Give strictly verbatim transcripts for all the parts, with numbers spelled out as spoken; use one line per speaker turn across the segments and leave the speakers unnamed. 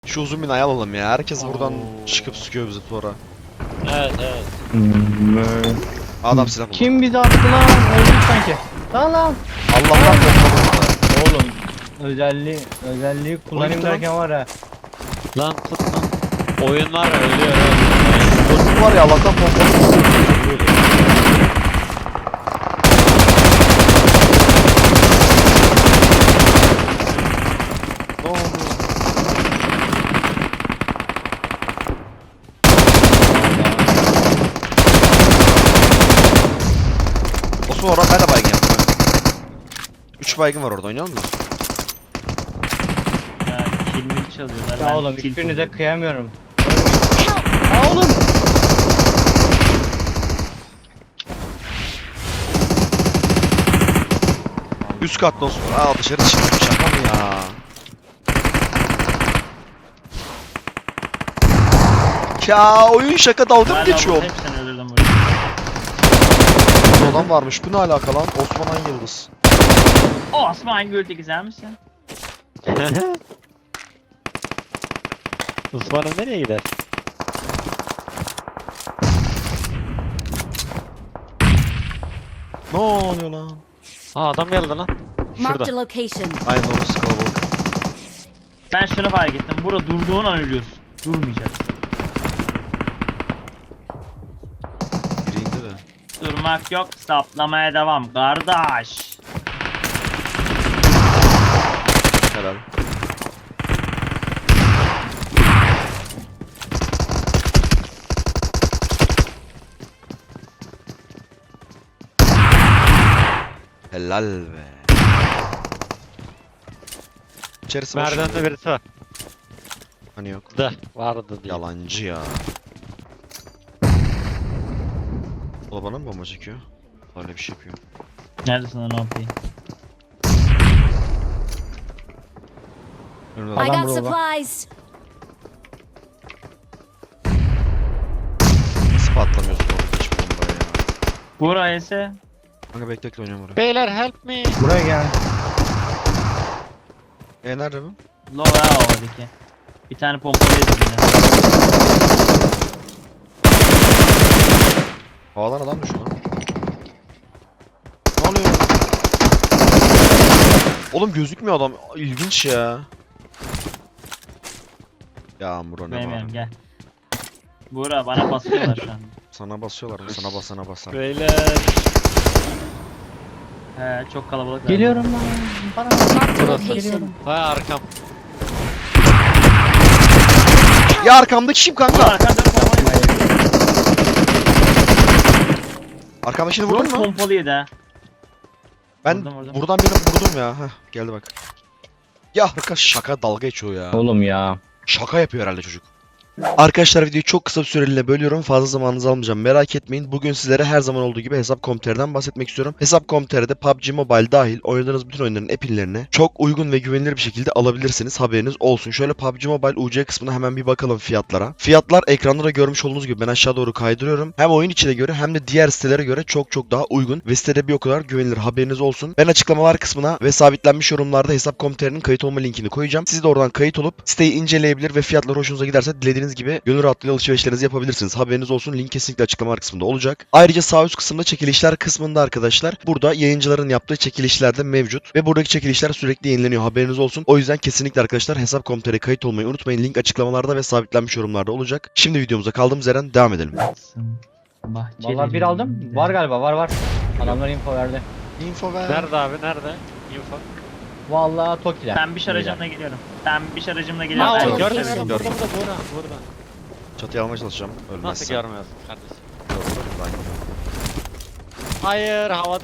Şu uzun binayı alalım ya. Herkes buradan
Oo.
çıkıp sıkıyor bizi sonra.
Evet evet.
Adam silah buldu.
Kim bizi attı lan? Öldük sanki. Lan lan.
Allah'tan korkmadım.
Oğlum özelliği özelliği kullanayım
Oyun lan.
derken var ha.
Lan tut lan. Oyunlar ölüyor evet.
Dostum var ya Allah'tan korkmadım. Ne oldu? Osman oradan ben de baygın yaptım. üç baygın var orada, oynayalım mı?
Ya kilimi çalıyorlar.
Ya
ben
oğlum
kill
hiçbirinize
buluyorum.
kıyamıyorum. Ya oğlum.
Üst katta olsun. Aa dışarı çıktım, şaka mı ya? Ya oyun şaka, dalga mı
Hala
geçiyor?
bu- Hepsini öldürdüm burada.
Bu adam varmış, bu ne alaka lan? Osman Han Yıldız.
O Osman Gül'de güzel misin? Osman'ın nereye gider?
Ne oluyor lan?
Aa adam geldi lan.
Marked a
Şurada.
location.
Aynen orası kalabalık.
Ben şunu fark ettim. Burada durduğun an ölüyorsun. Durmayacaksın.
Biri indi de.
Durmak yok. Saplamaya devam. Kardeş.
Helal. Helal be. İçerisi boş.
Merdivende birisi var.
Hani yok.
Da vardı diye.
Yalancı ya. O da bana mı bomba çekiyor? Öyle bir şey yapıyor.
Neredesin lan O P?
Önümde
I
adam.
Adam
got
burada.
supplies.
Nasıl patlamıyorsun orada hiç bombaya ya?
Buraya ise.
Kanka bekle bekle oynuyorum oraya.
Beyler help me.
Buraya gel.
E nerede bu?
Low ha oradaki. Bir tane pompalı yedim yine.
Havadan adam düşüyor lan. Ne oluyor? Oğlum gözükmüyor adam. İlginç ya. Ya Muro ne
Benim
var?
yerim gel. Bura bana basıyorlar şu an.
Sana basıyorlar mı? Sana bas, sana basar.
Beyler. He çok kalabalık.
Geliyorum lan. Bana
Marked a
Burası.
location.
Vay arkam.
Ya arkamdaki kim
Bura
kanka?
arkanda pompalı.
Arkamdakini
Vurdun
vurdun mu?
pompalı yedi ha.
Ben
Vurdum, vurdum.
buradan birini vurdum ya. Heh, geldi bak. Ya arkadaş şaka dalga geçiyor ya.
Oğlum ya.
Şaka yapıyor herhalde çocuk. Arkadaşlar videoyu çok kısa bir süreliğine bölüyorum. Fazla zamanınızı almayacağım. Merak etmeyin. Bugün sizlere her zaman olduğu gibi Hesap nokta com nokta tr'den bahsetmek istiyorum. Hesap nokta com nokta tr'de P U B G Mobile dahil oynadığınız bütün oyunların app'inlerini çok uygun ve güvenilir bir şekilde alabilirsiniz. Haberiniz olsun. Şöyle P U B G Mobile U C kısmına hemen bir bakalım fiyatlara. Fiyatlar ekranda da görmüş olduğunuz gibi ben aşağı doğru kaydırıyorum. Hem oyun içine göre hem de diğer sitelere göre çok çok daha uygun ve sitede bir o kadar güvenilir. Haberiniz olsun. Ben açıklamalar kısmına ve sabitlenmiş yorumlarda Hesap nokta com nokta tr'nin kayıt olma linkini koyacağım. Siz de oradan kayıt olup siteyi inceleyebilir ve fiyatlar hoşunuza giderse dilediğiniz gibi gönül rahatlığıyla alışverişlerinizi yapabilirsiniz. Haberiniz olsun. Link kesinlikle açıklamalar kısmında olacak. Ayrıca sağ üst kısımda çekilişler kısmında arkadaşlar burada yayıncıların yaptığı çekilişler de mevcut ve buradaki çekilişler sürekli yenileniyor. Haberiniz olsun. O yüzden kesinlikle arkadaşlar Hesap nokta com nokta tr'ye kayıt olmayı unutmayın. Link açıklamalarda ve sabitlenmiş yorumlarda olacak. Şimdi videomuza kaldığımız yerden devam edelim.
Vallahi bir aldım. Var galiba var var. Adamlar info verdi.
Info ver.
Nerede abi nerede? Info.
Vallahi Toki'ler.
Ben bir şarajımla geliyorum. Ben bir şarajımla geliyorum.
Aa,
Ben
orada,
gördüm.
gördüm,
Burada burada burada burada.
Çatıya almaya çalışacağım. Ölmezsem.
Nasıl görmüyorsun kardeşim?
Görmedim ben.
Hayır havada.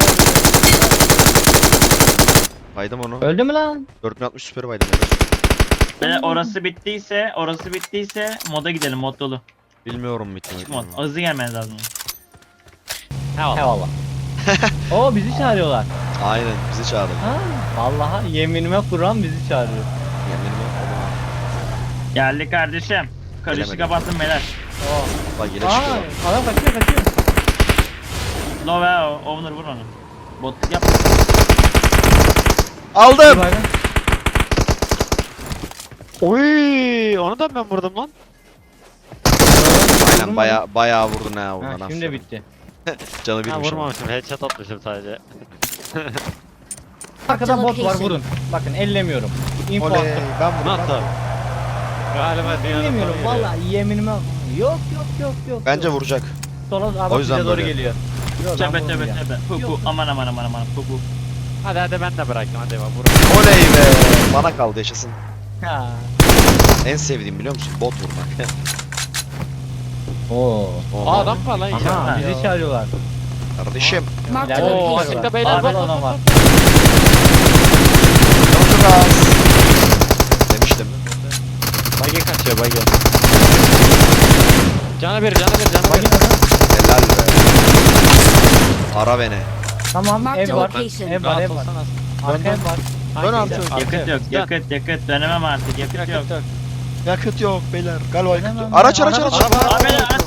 Baydım onu.
Öldü mü lan?
dört bin altmış süperi baydım.
Ve orası bittiyse, orası bittiyse moda gidelim, mod dolu.
Bilmiyorum bitmiyor.
Mod, hızlı gelmeniz lazım.
Eyvallah. Oo bizi çağırıyorlar.
Aynen bizi çağırdı.
Ha, vallahi yeminime Kur'an bizi çağırıyor.
Yeminime oğlum.
Geldi kardeşim. Karışı
Gelemedim.
kapattım beyler.
Oo.
Bak yine
Aa,
çıkıyor.
adam kaçıyor kaçıyor.
Love o, owner vur onu. Botluk yap.
Bir
Aldım.
baygın.
Oy, onu da ben vurdum lan.
Aynen baya bayağı vurdun ha
Ha,
ondan.
şimdi bitti.
Canı
Ha
birmiş ama.
vurmamışım, headshot atmışım sadece.
Arkada bot var
location.
vurun. Bakın ellemiyorum. Info
Oley
attım.
ben vurdum.
Nasıl? Galiba dünyanın
Ellemiyorum
sonu geliyor.
vallahi yeminime. Yok yok yok yok.
Bence
yok.
vuracak.
Sola abi
O yüzden
bize doğru
böyle.
geliyor. Yok,
Tövbe
ben
tövbe
vurmayacağım.
tövbe. Pu
Yok.
pu aman aman aman aman pu pu.
Hadi hadi ben de bıraktım, hadi bak vur.
Oley be. Bana kaldı yaşasın.
Ha.
En sevdiğim biliyor musun? Bot vurmak.
Oo.
Aa adam var lan
Aha
içeride.
bizi çağırıyorlar.
Kardeşim.
Marked a
İleride
Oo
bir
location.
şey var.
açıkta beyler,
Arkada
bak, bak,
adam
bak,
var.
Çok az. Demiştim.
Bagi kaçıyor bagi. Cana bir, cana bir, cana
Bak
bir.
adam.
Helal be. Ara beni.
Tamam
Marked
ev var.
location.
Ev var
Rahat
ev var.
olsana.
Arka ev var.
Dön
Hangi
artık.
ev?
Yakıt yok,
Dön.
yakıt yakıt dönemem artık, yakıt yok.
Yakıt yok.
Yakıt yok beyler. Galiba yakıt
Hemen
yok.
ben-
Araç araç
araba-
araç.
araba-
Abi lan.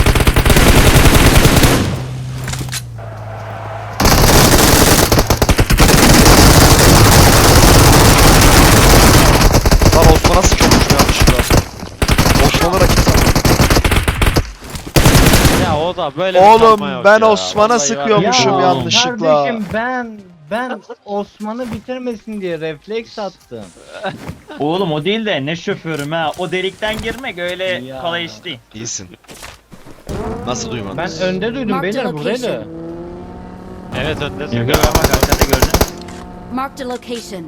Lan Osman'a sıkıyormuşum yanlışlıkla. Osman'a rakip sandım.
Ya o da böyle bir sanma
Oğlum
yok
ben
ya.
Osman'a
Vallahi
sıkıyormuşum
var.
yanlışlıkla.
Kardeşim ben ben Osman'ı bitirmesin diye refleks attım.
Oğlum o değil de ne şoförüm ha. O delikten girmek öyle
Ya.
kolay iş değil.
İyisin. Nasıl duymadın?
Ben önde duydum
Marked
beyler
location.
buradaydı.
Evet öndesin.
Yakıt bak arkada gördün.
Marked a location.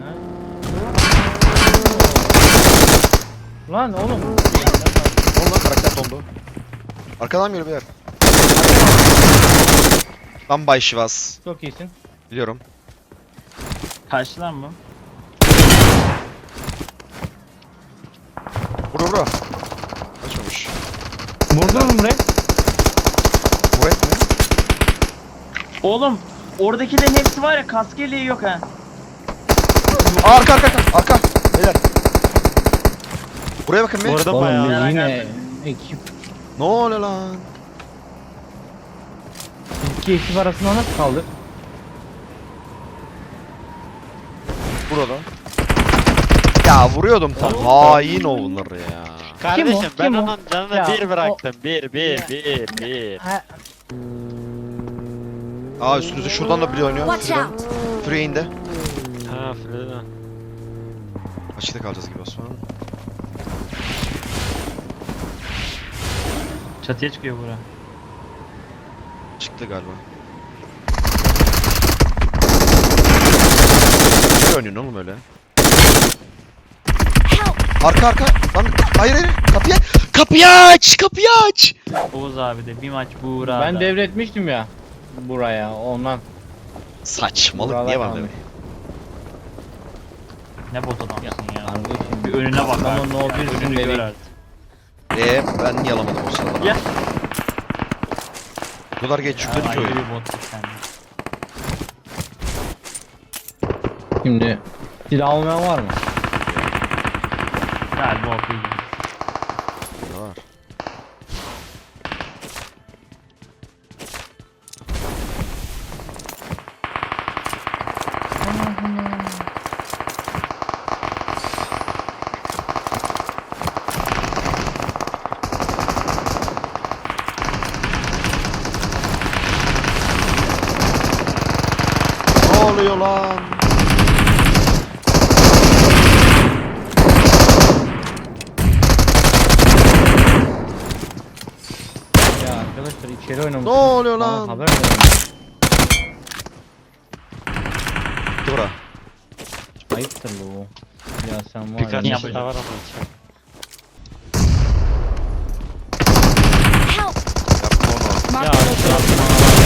Lan oğlum.
Oğlum karakter dondu. Arkadan geliyor beyler. Tam Bay Şivas.
Çok iyisin.
Biliyorum.
Kaç lan bu?
Vura vura. Kaçmamış.
Vurdun mu buraya?
Bu et mi?
Oğlum oradakilerin hepsi var ya kaskeliği yok ha.
Aa, arka arka arka. Arka. Beyler. Buraya bakın bir.
Vurdum
Oğlum
bayağı.
ya.
yine ekip.
Ne oluyor lan?
İki ekip arasında nasıl kaldık?
Burada. Ya vuruyordum tam. Hain o bunları ya.
Kardeşim
Kim o?
ben
Kim o?
onun canını
Ya,
bir bıraktım. Bir,
Ya.
bir, bir, bir.
Ha,
Aa üstünüzde şuradan da biri oynuyor.
Watch
Şuradan.
out.
Şuraya indi.
Ha Frida.
Açıkta kalacağız gibi Osman.
Çatıya çıkıyor bura.
Çıktı galiba. Ne oynuyorsun oğlum öyle?
Help.
Arka arka. Lan hayır hayır. Kapıyı kapıyı aç. Kapıyı aç.
Oğuz abi de bir maç buğra.
ben devretmiştim ya buraya ondan.
Saçmalık
Buralar
niye var
kalmış.
demek?
Ne bot adamsın ya.
Kardeşim.
Bir önüne bak
Adamın
artık
no
ya,
bir
önünü gör
dedik.
artık.
Eee ben niye alamadım o sırada?
Ya.
Bu kadar geç
Ya,
yükledik ki
ayrı
oyun.
bir bot sen.
Şimdi silah almayan var mı?
Galiba okuyayım.
Burada var. Ne oluyor lan?
Ya arkadaşlar içeri oynamış.
Ne oluyor
Bana
lan?
haber verin.
Dora.
Ayıptır bu. Ya sen var
Birkaç
ya.
kişi daha var ama içeride.
Help.
Yapma onu.
Marked
Ya,
a location.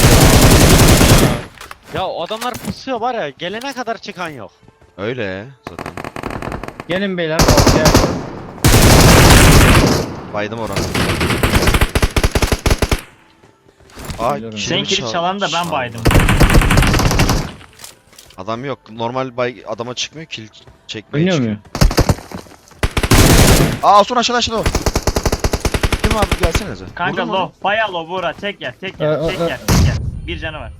Ya o adamlar pusuyor var ya, gelene kadar çıkan yok.
Öyle zaten.
Gelin beyler ortaya.
Baydım oranı. Aa,
Biliyorum.
kilimi
Senin kili
çal-
çalan da ben
çaldı.
baydım.
Adam yok. Normal bay adama çıkmıyor. Kill çekmeye
Oynuyor
çıkıyor.
mu?
Aa son aşağıda aşağıda o. Kim abi gelsenize.
Kanka
Vurdun mu?
low, bayağı low buğra. Tek yer, tek
Ee,
yer,
e,
tek
e.
yer, tek yer. Bir canı var.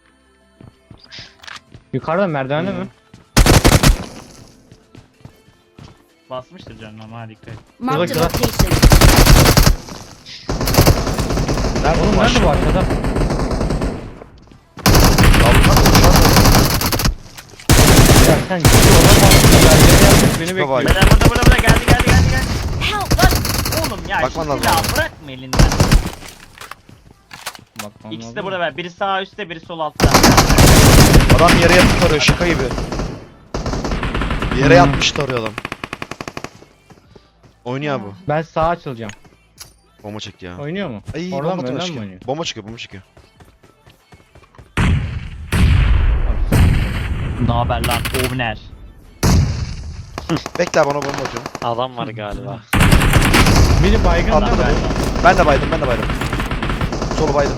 Yukarıda merdivende mi?
Basmıştır canım ama dikkat et.
Marked a
Şurada-
location.
Nerede
Oğlum
bu
nerede bu
aşağı?
arkada? Ya sen ciddi olamazsın ya. Yere yatmış beni
Tipe bak.
bekliyor.
Beyler burada burada burada geldi geldi geldi geldi.
Help!
Lan oğlum ya
Bakman
şu
lazım
silahı
abi.
bırakma elinden.
Bakmam
İkisi de
lazım.
burada be. Biri sağ üstte biri sol altta.
Adam yere yatıp arıyor şaka gibi. Yere
Hmm.
yatmış arıyor adam. Oynuyor bu.
Ben sağa açılacağım.
Bomba çekti ya.
Oynuyor mu?
Ay
Oradan
bomba
mı, önden mi
çıkıyor.
oynuyor?
Bomba çıkıyor bomba çıkıyor.
Ne haber lan Ovner?
Bekle bana bomba atıyorum.
Adam var galiba.
Biri baygın
Adam
değil mi?
galiba.
Ben de baydım ben de baydım. Solu baydım.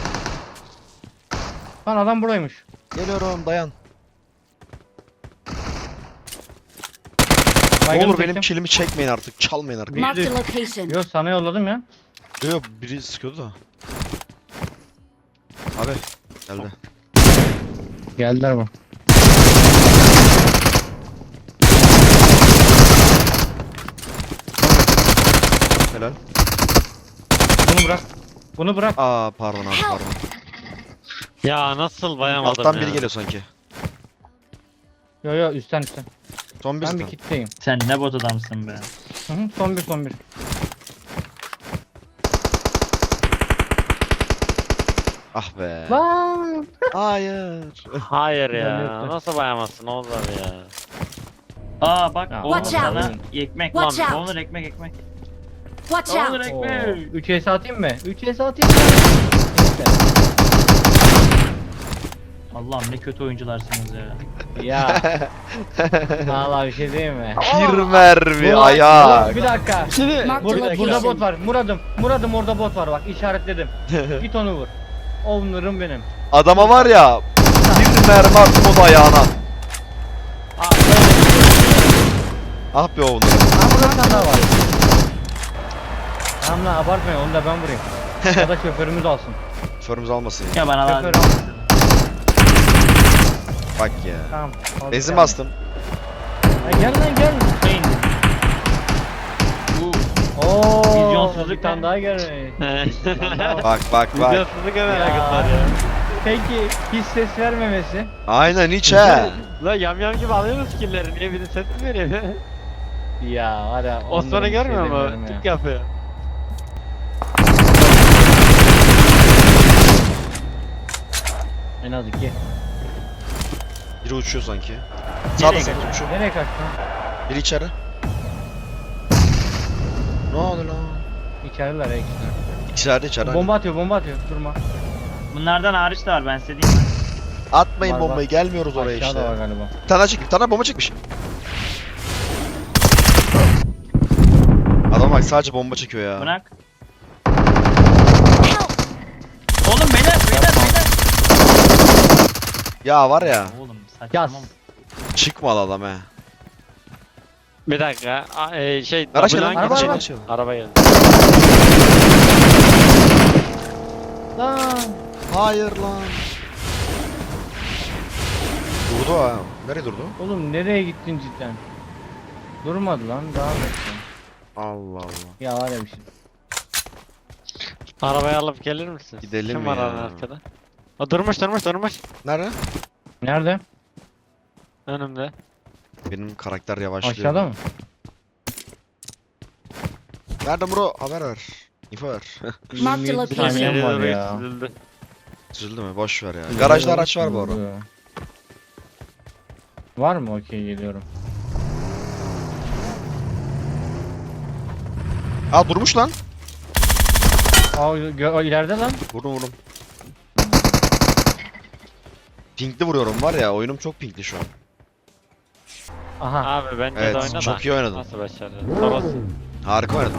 Lan adam buraymış.
Geliyorum dayan.
Baygın
Olur
çektim.
benim kilimi çekmeyin artık. Çalmayın artık.
Marked a location.
Yo sana yolladım ya.
Yok biri sıkıyordu da. Abi geldi.
Geldiler bu.
Helal.
Bunu bırak. Bunu bırak.
Aa pardon abi pardon.
Ya nasıl bayamadım
Alttan
ya.
biri geliyor sanki.
Yo yo üstten üstten.
Son bir
Ben bir
zaten.
kitleyim.
Sen ne bot adamsın be.
Hı hı, son bir son bir.
Ah be.
Lan.
Hayır.
Hayır
Ben
ya.
yoktu.
Nasıl bayamazsın Oğuz abi ya.
Aa bak
Ya,
Onur
Watch
sana
out.
ekmek.
Watch out.
Onur ekmek ekmek.
Watch
Onur
out!
ekmek.
üç S atayım mı? üç S atayım mı? İşte.
Allah'ım ne kötü oyuncularsınız ya.
Ya. Vallahi bir şey diyeyim mi?
Bir mermi
Ulan,
ayak.
ulan, Bir dakika.
Marked a
Burada, burada
location.
bot var. Muradım. Muradım orada bot var bak işaretledim. Git onu vur. Onur'um benim.
Adama var ya bir mermi attım o da ayağına. Ah be oğlum.
Ha burada bir tane daha var. Tamam lan abartmayın onu da ben vurayım. Ya da şoförümüz alsın.
Şoförümüz almasın ya.
Ya bana
Şoför
lazım.
alsın.
Bak ya.
Tamam. aldık
Benzin
yani.
bastım.
Ha, gel lan gel.
Beyin. Bu
Oo.
Vizyonsuzluk
Bir tane
ne?
daha gelmiş.
Bak bak bak.
Videosuzluk hemen
Ya.
yakıtlar ya.
Peki hiç ses vermemesi.
Aynen hiç he.
La yamyam gibi alıyoruz skill'leri. Niye bir de ses mi veriyor?
Ya var ya.
Osman'ı
onlara bir şey
görmüyor
demiyorum
mu?
ya.
Tık yapıyor.
En az iki.
Biri uçuyor sanki. Sağda
Nereye
sağda
kaçıyor?
uçuyor.
Nereye kaçtın?
Biri içeri. Ne oldu lan?
İçeriler ya ikisi.
İçeride içeride.
Bomba atıyor bomba atıyor. Durma.
bunlardan hariç de var ben size diyeyim.
Atmayın
Var,
bombayı
var.
gelmiyoruz oraya
Aşağıda
işte.
var galiba.
Bir tane daha çekmiş. Bir tane daha bomba çekmiş. Adam bak sadece bomba çekiyor ya.
Bırak. Oğlum beyler beyler beyler.
Ya var ya.
Oğlum
Yaz.
saçmalama.
Çıkmadı adam he.
Bir dakika. A- e, şey.
Araç
double
gelin.
line
Araba,
Araç
araba.
gelin.
Araba geldi.
Lan.
Hayır lan. Durdu ha. Nereye durdu?
Oğlum nereye gittin cidden? Durmadı lan devam etsin.
Allah Allah.
Ya var ya bir şey.
Arabayı alıp gelir misin?
Gidelim
Kim var
ya.
onun arkada? O durmuş durmuş durmuş.
Nerede?
Nerede?
Önümde.
Benim karakter yavaşlıyor.
Aşağıda mı?
Nerede bro? Haber ver. İnfo ver.
Marked a
yirmi yedi
location.
saniyem
Saniyede
var
doğru
ya.
çizildi.
Çizildi mi? Boş ver ya. Garajda araç var bu arada.
Var mı? Okey geliyorum.
Aa durmuş lan.
Aa gö- o ileride lan.
Vurdum vurdum. Pinkli vuruyorum var ya. Oyunum çok pinkli şu an.
Aha.
Abi bence de
Evet
oyna da.
çok iyi oynadın.
Nasıl başardın? Toros.
Harika oynadın.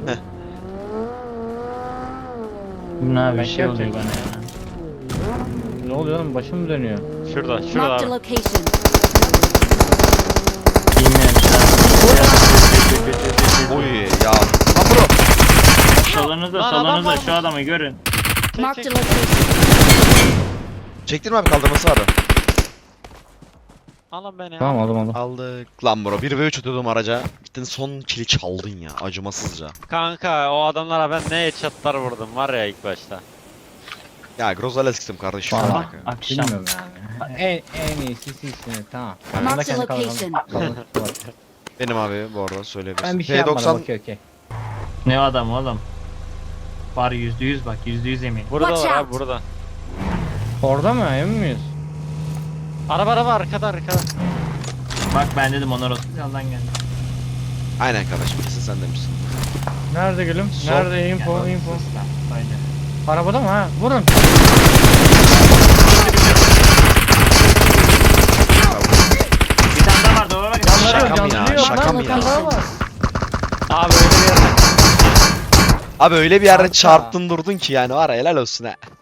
Ne abi
Ben
bir şey oluyor
gerçekten-
bana ya.
Ne oluyor oğlum başım mı dönüyor?
Şurada, şurada
Marked a
abi.
location.
Bilmiyorum
Oy ya. Lan bro.
Solunuzda
Lan adam
solunuzda
varmış.
şu adamı görün.
Çek
Marked a
çek.
location.
Çektirme abi kaldırması abi.
Alın beni.
Tamam aldım aldım.
Aldık. Lan bro bir ve üç atıyordum araca. Gittin son kili çaldın ya acımasızca.
Kanka o adamlara ben ne headshotlar vurdum var ya ilk başta.
Ya Grozales gittim kardeşim.
Valla.
Bak ya.
Akşam.
Bilmiyorum yani. En, en iyisi sizsiniz tamam. Ben de
Marked a
kendi kalanım-
location.
kalanım var.
Benim abi bu arada söyleyebilirsin.
Ben bir şey yapmadım
P doksan
okey okey.
Ne o adam oğlum? Var yüzde yüz bak yüzde yüz emin.
Burada
Watch
var abi
out.
burada.
Orada mı emin miyiz?
Araba araba arkada arkada.
Bak ben dedim onlar olsun yandan geldi.
Aynen kardeşim kesin sen demişsin.
Nerede gülüm?
Sol.
Nerede info
Yani
info?
sısla, aynen.
Arabada mı ha? Vurun.
Bir tane daha var doğru bak.
Canları
Şaka
yok
mı ya?
canları yok
Şaka
lan
mı
bir tane
ya?
daha var.
Abi öyle bir yerde.
Abi öyle bir yerde
Kanka.
çarptın durdun ki yani var ya helal olsun ha.